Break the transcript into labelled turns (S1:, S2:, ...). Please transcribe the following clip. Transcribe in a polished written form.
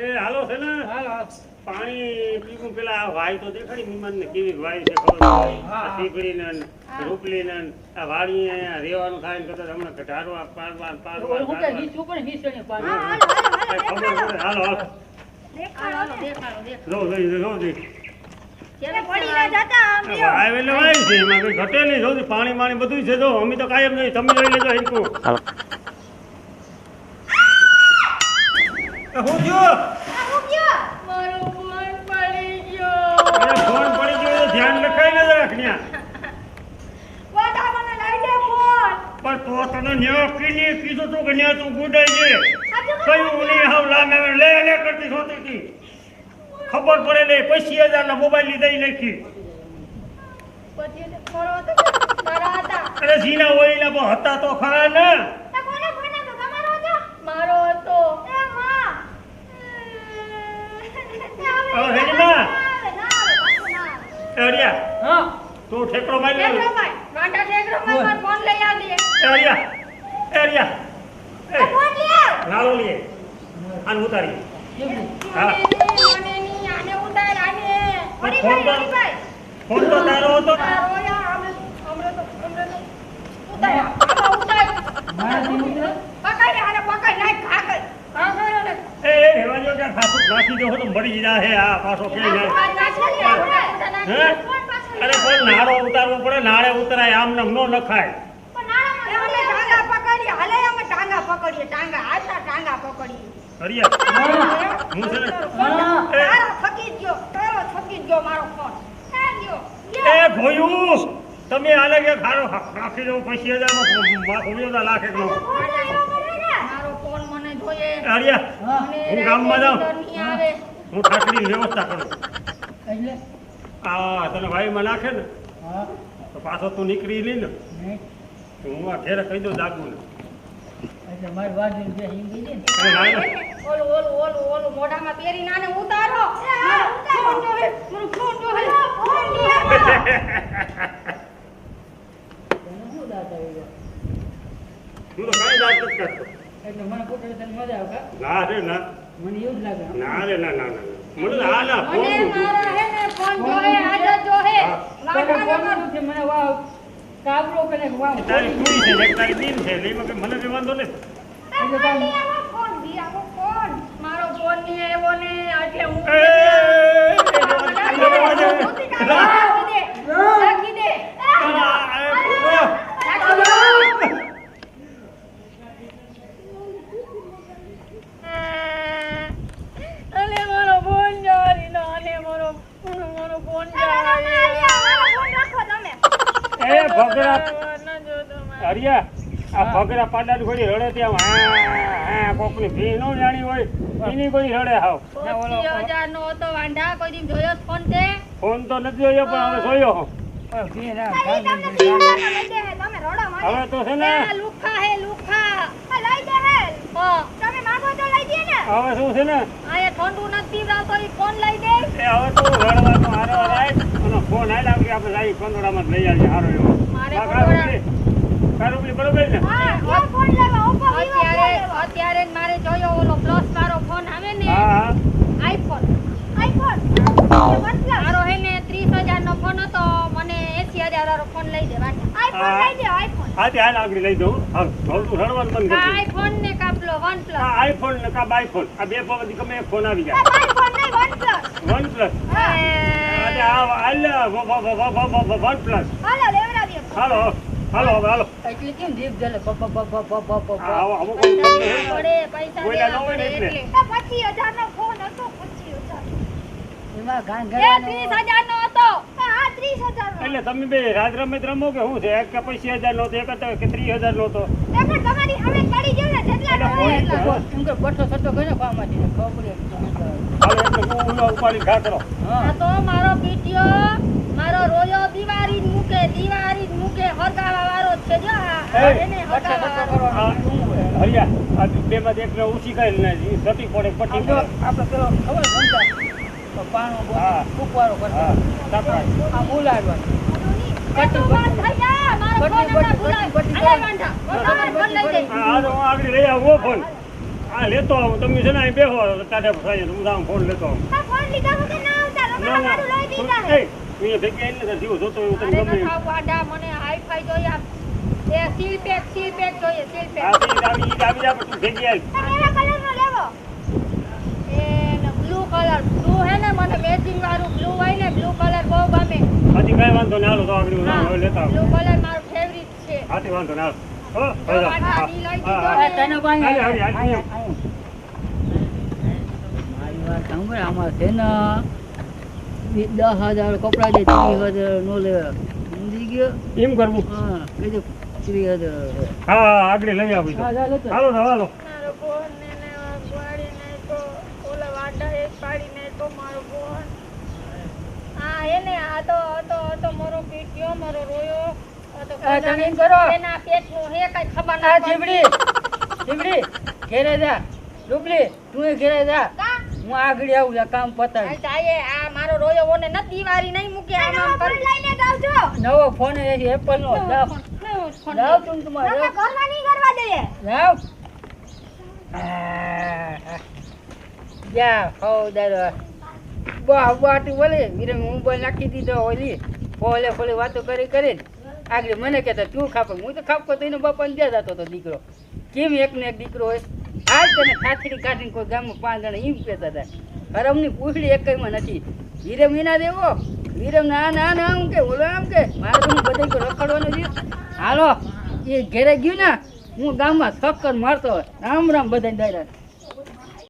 S1: એ હાલો છે ને
S2: હાલો
S1: પાણી પીવું પેલા વાય તો દેખાડી મીમાન ને કેવી વાય છે ખબર આ સીપડી ને રૂપલી ને આ વાડી અહીંયા રેવાનું થાય ને તો હમણાં ઘટાડવા પાડવા
S2: હું કે નીચું પણ નીચે પાડો
S1: ખબર હાલો હાલો
S3: દેખાડો
S1: જો
S3: કેને પડી ના જાતા આમ
S1: વાય એટલે વાય છે એમાં કઈ ઘટે નહીં જો પાણી માણી બધું છે જો અમે તો કાયમ નહીં તમે જોઈ લેજો હિંકુ હું જો
S3: મારો ફોન પડી ગયો
S1: ફોન પડી ગયો ધ્યાન રખાઈ ન રાખન્યા
S3: વાડા મને લઈ દે ફોન
S1: પણ તો તને ન્યો કીની કીધું તું કે ન્યા તું ગુડાઈ છે કયું ઉની હાવ લામે લે કરતી હોતી હતી ખબર પડે ને 25000 ના મોબાઈલ ની દઈ નાખી
S3: પછી ફોડો તો મારા હતા
S1: અરે જીના ઓઈલા બો હતા તો ખરા ને
S3: તો કોને ફોન હતો તમારો હતો મારો હતો એ માં
S1: હવે હેડી માં એડિયા
S2: હા
S1: તું ઠેકડો મારી લે
S3: વાંડા ઠેકડો માર ફોન લઈ આવજે
S1: એડિયા
S3: ફોન લે આવ
S1: નાલો લે આન ઉતારી હા
S3: આને ની આને ઉતાર આને પડી ભાઈ
S1: ફોન તો તારો હતો
S3: તારો યાર હમણે તો ઉતાર ઉતાર
S2: મારાથી ઉતરે
S3: પકડ આને પકડ નાખ ખાકડ ખાકડ
S1: એ હેવાજો કે ખાસું નાખી દો તો મરી જા હે આ પાછો કે જાય હે અરે કોઈ નાળો ઉતારવો પડે નાળે ઉતરાય આમ નમ નો નખાય
S3: ટાંગા પકડીએ હાલે અમે ટાંગા પકડીએ ટાંગા આટલા ટાંગા પકડીએ
S1: હરિયા હું છે ને
S3: તારો થકી ગયો મારો ફોન
S1: એ ભોયું તમે આલે કે ખારો નાખી દો 25000 માં ઉમેદા લાખ એકનો
S3: મારો ફોન મને જોઈએ
S1: હરિયા હું ગામમાં જાઉં હું ઠાકડીની વ્યવસ્થા કરું
S2: એટલે
S1: આ તને વાયુમાં નાખે ને
S2: હા
S1: તો પાછો તું નીકળી લી ને
S2: નહીં
S1: તો હું આ ઘેરે કહી દઉં જાગું ને
S2: એટલે મારી વાડી જે હિંગી છે ને
S1: અરે ના ના
S3: ઓલું મોઢામાં પહેરી નાને ઉતારો ફોન જોઈએ મારો ફોન જોઈએ
S2: તને શું દાત આવી ગયો
S1: હું તો કાંઈ જાત નથી કરતો
S2: એટલે મને પોતે તને મજા આવે કા?
S1: ના રે ના
S2: મને એવું જ લાગે
S1: ના રે ના મને તો આ ના ફોન
S3: મને મારો હે ને ફોન જોઈએ આજ જોઈએ
S2: તને કોનું છે મને વાવ કાબરો કરે વાવ
S1: તારી કુડી છે એક તારી દીન છે એટલે એમાં કઈ મને કઈ વાંધો નથી
S2: એટલે તાર
S3: ફોન દિયાવો ફોન મારો ફોન ની આવ્યો ને એટલે હું રાખી દે અલે મારો ફોન જારી નો અલે મારો ફોન જારી રાખો તમે
S1: એ ભગરા હરિયા આ ભગરા પાડાની ઘોડી રડે ત્યાં હા કોકની ભી નો જાણી હોય એની ઘોડી રડે હાવ
S3: 25000 નો હતો વાંઢા કોઈ દી જોયો ફોન તે
S1: ફોન તો નથી જોયો પણ હવે જોયો હો
S2: બે ના
S1: હવે તો છે ને
S3: લુખા હે લુખા લઈ દે હે તમે માંગો તો લઈ દે ને
S1: હવે શું છે ને
S3: આયા ઠંડુ નથી રાતો ઈ ફોન લઈ દે
S1: એ હવે તો રડવાનો હારો રાય અને ફોન આલ્યા કે આપણે લાવી કંદોડામાં લઈ આવીએ હારો એવો
S3: મારે
S1: કારુબલી બરોબર ને
S3: હા ફોન લેવા ઓપો અત્યારે મારે જોયો ઓલો પ્લસ વાળો ફોન આવે ને
S1: હા
S3: આઈફોન મારો હે ને 30000 નો ફોન હતો મને 80000 વાળો ફોન લઈ દે વાંઢા આઈફોન લઈ દે આઈફોન
S1: હા ત્યાં આગળ લઈ દઉં હા તું રડવાનું બંધ કરી દે
S3: આઈફોન ને કાપલો OnePlus
S1: આ આઈફોન ને કા બાઈફોન આ બે પવનથી ગમે એક ફોન આવી જાય
S3: આઈફોન નહીં OnePlus
S1: OnePlus આજે આ OnePlus
S3: હાલો લેવડાવીએ
S1: હાલો હાલો હવે હાલો
S2: એટલે કેમ જીભ જલે બ
S1: આવો આવો
S3: પડે પૈસા
S1: કોઈલા ન
S3: દેવા
S1: હોય ને
S3: પડે
S1: એટલે.
S3: એટલે 25000 નો ફોન હતો 25000
S2: એમાં ગાન
S3: એ
S2: ગળાનો
S3: 30000 નો હતો હા 30000 નો
S1: એટલે તમે બે રાજ રમત રમો કે શું છે એક કે 25000 નો હતો એક હતો કે 30000 નો હતો
S3: એમ તમારી હવે પડી ગયો ને જેટલા નો હોય એટલા
S2: એમ કે બઠો સટો કર્યો પામાંથી ખબર પડી
S1: હાલો એટલે હું ઉલો ઉપાડી ઘા કરો
S2: હા
S3: આ તો મારો પીટીયો મારો રોયો દિવાળી જ મૂકે હરગાવા વાળો છે જો આ એને હરગાવા વાળો
S1: આ હરિયા આ બે માં એકને ઊંચી કરી ને સટી પડે પટ્ટી પડે
S2: આપણે પેલો ખબર સમજા તો પાણો
S1: હા.
S2: કુકવારો
S1: હા
S2: કરતા
S1: તાપરા
S2: આ બોલાડવા
S3: કટી વાત થઈ જા મારો ફોન ના ભૂલાય અલે વાંઢા ફોન લઈ દે
S1: આ તો હું આગળ લઈ આવો ફોન આ લેતો આવું તમે છે ને અહીં બેહો તારે થાય હું આમ ફોન લેતો આવું
S3: આ ફોન લીધા વગર ના આવતા
S1: ના
S3: રમણ
S1: ના
S3: મારું લઈ દીધા હે
S1: એ ભેગી આવીને જીવો જોતો એવું
S3: અરે
S1: તમને ગમે
S3: નખા વાડા મને હાઈફાઈ જોઈએ એ સીલ પેક જોઈએ સીલ પેક
S1: આ બી આવી જા પણ તું ભેગી આવી
S3: અને એવા કલરનો લેવો એ બ્લુ કલર બ્લુ હે ને મને મેચિંગ વાળું બ્લુ હોય ને બ્લુ કલર બહુ ગમે
S1: હાથી કાંઈ વાંધો ના હાલો તો આગળ હું હવે લેતા
S3: બ્લુ
S1: આવું
S3: કલર મારો ફેવરિટ છે
S1: હાથી વાંધો ના હાલો હો
S3: તો વાડા ઈ લઈ દીધો
S2: આ
S3: ને.
S2: તને કોઈ
S1: હાલે, હાલે, હાલે.
S2: મારી વાત સાંભળ આમાં છે ને 10,000 કપડા દે 30,000 નો લે સમજી ગયો
S1: એમ કરવું
S2: હા કીધું 30,000
S1: હા આગળ લઈ આવી તો
S2: હા જા લેતો
S1: હાલો તો હાલો
S3: મારો બોન ને વાડી ને તો ઓલા વાડા એક પાડી ને તો મારો બોન હા એને આ તો મારો પીટ્યો મારો રોયો આ તો
S2: આ તમે એમ કરો.
S3: એના પેટનું હે કઈ ખબર
S2: આ
S3: ના
S2: જીબડી ઘેરે જા ડુબલી તું એ ઘેરે જા
S3: કા
S2: હું આગળ આવું લે કામ પતાવી
S3: જાય આ મારો રોયો ઓને નથી દિવાળી નહીં મૂકે આમ કરી લઈને જાવજો
S2: નવો ફોન એપલ નો જાવ જાવ તું તમારે જાવ.
S3: ઘરમાં નહીં કરવા દે
S2: જાવ જા હો દાદા બાટી બોલે વીરે મોબાઈલ નાખી દીધો ઓલી ફોલે વાતો કરી આગળ મને કહેતા તું ખાપો હું તો ખાપકો તો એનો બાપાને જ્યાં જતો હતો દીકરો કેમ એક ને એક દીકરો હોય આજ તને ખાથડી કાઢીને કોઈ ગામમાં 5 જણા એમ કહેતા હતા હરમની પૂછડી એકમાં નથી વીરમ એના દેવો વીરમ ના આમ કે ઓલો આમ કે મારે તો બધા રખડવાનું છે હાલો એ ઘેરે ગયું ને હું ગામમાં શક્કર મારતો હોય રામ રામ બધાને દાયરા